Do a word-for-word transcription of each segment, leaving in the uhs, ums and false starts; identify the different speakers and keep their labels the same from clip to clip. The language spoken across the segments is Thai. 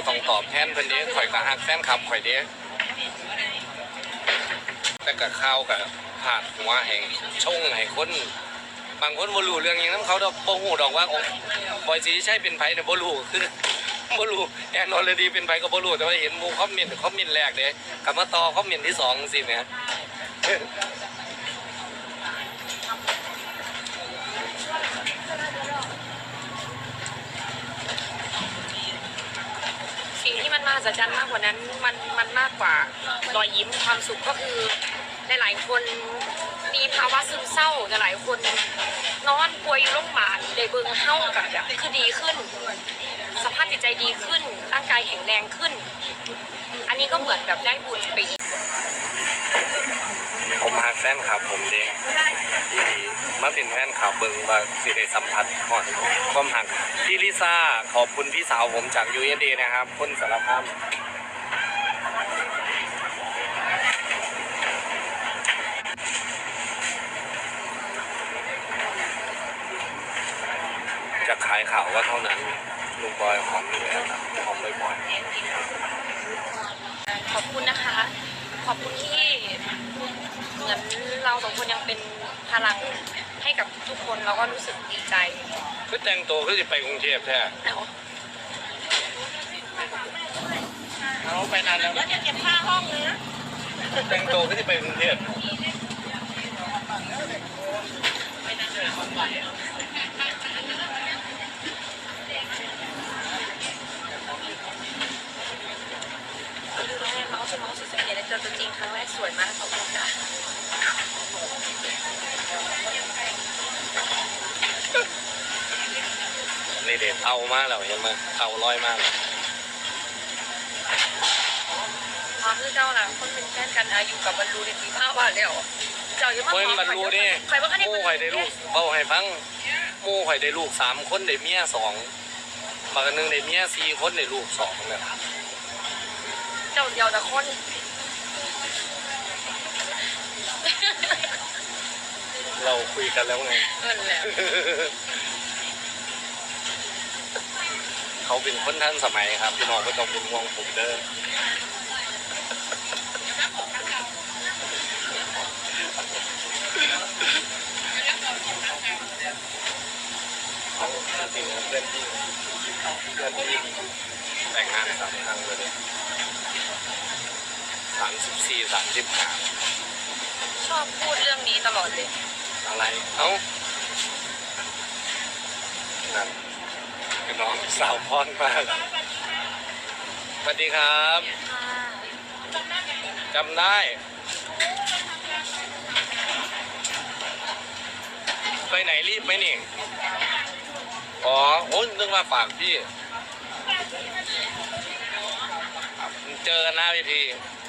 Speaker 1: ต้องตอบแทนเพิ่นเด้ข่อยก็ฮักแฟนคลับข่อยเด้แต่ก็ข้าวกับผาดหัวแห่งชงให้คนบางคนบ่รู้เรื่องอย่างนั้นเขาดอกบ่ฮู้ดอกว่าบอยสิใช่เป็นไผเนี่ยบ่รู้คือบ่รู้แอนอลดีเป็นไผก็บ่รู้แต่ว่าเห็นหมู่คอมเมนต์คอมเมนต์แรกเด้กลับมาต่อคอมเมนต์ที่สองสิแหม
Speaker 2: สิ่งที่มันมหัศจรรย์มากกว่านั้นมันมันมากกว่ารอยยิ้มความสุขก็คือหลายๆคนมีภาวะซึมเศร้าหลายคนนอนป่วยอยู่โรงพยาบาลได้เบิ่งเฮากับแบบคือดีขึ้นสภาพจิตใจดีขึ้นร่างกายแข็งแรงขึ้นอันนี้ก็เหมือนแบบได้บุญไปอีก
Speaker 1: ผมฮักแฟนคลับผมเด้ที่มาเป็นแฟนคลับเบิ่งว่าสิได้สัมผัสฮอดความฮักพี่ลิซ่าขอบคุณพี่สาวผมจาก ยู เอส เอ นะครับคนสารคามจะขายข่าวว่าเท่านั้นลุงบอยหอมอยู่แล้วครับหอมบ่อย
Speaker 2: ๆขอบคุณนะคะขอบคุณที่เหมือนเราสองคนยังเป็นพลังให้กับทุกคนเราก็รู้สึกดีใจ
Speaker 1: คือแต่งตัวคือจะไปกรุงเทพแท้เอาไปนานแล้ว
Speaker 2: แล้วจะเก็บค่าห้องเลยนะ
Speaker 1: แต่งตัวคือจะไปกรุงเทพ
Speaker 2: เขาจะมองสุดสังเกตเจอตัวจริงครั้งแรกสวยมากขอบคุณค่ะ
Speaker 1: นี่เด็ดเอามากแล้วเห็นไหมเอาลอยมาก
Speaker 2: พอคือเจ้าหลังคนเป็นแฟนกันอายุกับบรรลุในปีห้าวันแล้วเจ้ายังมาข
Speaker 1: อบรรลุนี่
Speaker 2: ใครว่าเขาได้
Speaker 1: มู่ข่อยได้ลูกเบาให้ฟังมู่ข่อยได้ลูกสามคนได้เมียสองบางนึงได้เมียสี่คนได้ลูกสองเลย
Speaker 2: เจ้าเดียวแต่คน
Speaker 1: เราคุยกันแล้วไง
Speaker 2: นั่นแหละ
Speaker 1: เขาเป็นคนทันสมัยครับพี่น้องก็ต้องเป็นห่วงผมเด้อจริงเพื่อนที่เพื่อนที่แต่งงานสามครั้งเลยสามสิบสี่สามสิบห้า
Speaker 2: ชอบพูดเรื่องนี้ตลอดเลย
Speaker 1: อะไรเอ้านั่นคือน้องสาวพรมากสวัสดีครับจำได้ไปไหนรีบไหมนี่อ๋อโอ้ยนึกว่าฝากพี่เจอกันหน้าเวที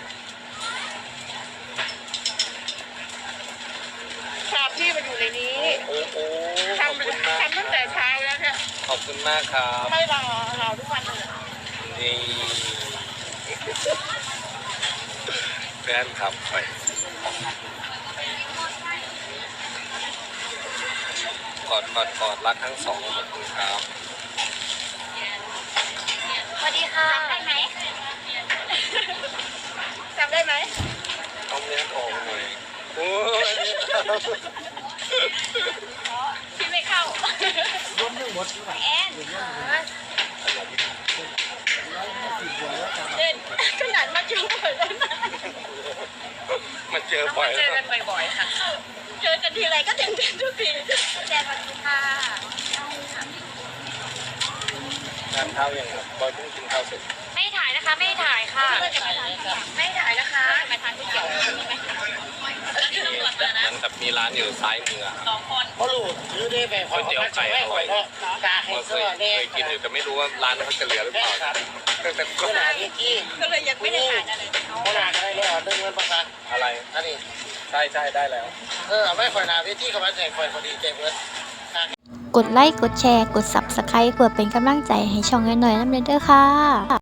Speaker 2: ฝากพี่มาอยู่ในนี้
Speaker 1: โอ้โห
Speaker 2: ทำทำตั้งแต่เช้าแล้วเนี่ย
Speaker 1: ขอบคุณมากครับ
Speaker 2: ไม่รอรอทุกวันเลย
Speaker 1: นี่แฟนคลับไปกอดกอดกอดรักทั้งสองขอบคุณครับ
Speaker 2: สวัสดีค่ะจำได้ไหมจำได้ไหม
Speaker 1: ต้องเลี้ยงออกหน่อยโอ้ย
Speaker 2: พี่ไม่เข้าล้มหนึ่งหมดแอนเด่นขนาดมาเจอบ่อยแล้วนะ
Speaker 1: มาเจอบ่อย
Speaker 2: เจอกันบ่อยๆค่ะเจอกันทีไรก็เด่นเด่นทุกทีแจนวันนี้ค่ะ
Speaker 1: ทานข้าวยังครับบอยเพิ่งกินข้าวเสร็จ
Speaker 2: ไม่ถ่ายนะคะไม่ถ่ายค่ะไม่ถ่ายนะคะไปทานก๋วยเตี๋ยวมีไหม
Speaker 1: มันกับมีร้านอยู่ซ้ายมือ
Speaker 2: สองคน
Speaker 3: เขาลูกซื้อได้ไป
Speaker 1: ก๋วยเตี๋ยวไก่อร่อยเคยเคยกินอยู่แต่ไม่รู้ว่าร้านเขาจะเหลือหรือเปล่าแต่แต่ก็
Speaker 2: ก็เลยยังไม่ได้ทานอะไร
Speaker 3: เขาหนาอะไรเลยอ่ะเรื่องเงินประกัน
Speaker 1: อะไร
Speaker 3: อันนี้
Speaker 1: ใช่ใช่ได้แล้ว
Speaker 3: เออไม่ค่อยนาเวทีเขามาแจกค่อยพอดีแจกเงิน
Speaker 4: กดไลค์กดแชร์กด ซับสไครบ์ เพื่อเป็นกำลังใจให้ช่องน้อยๆน้ำเด้อค่ะ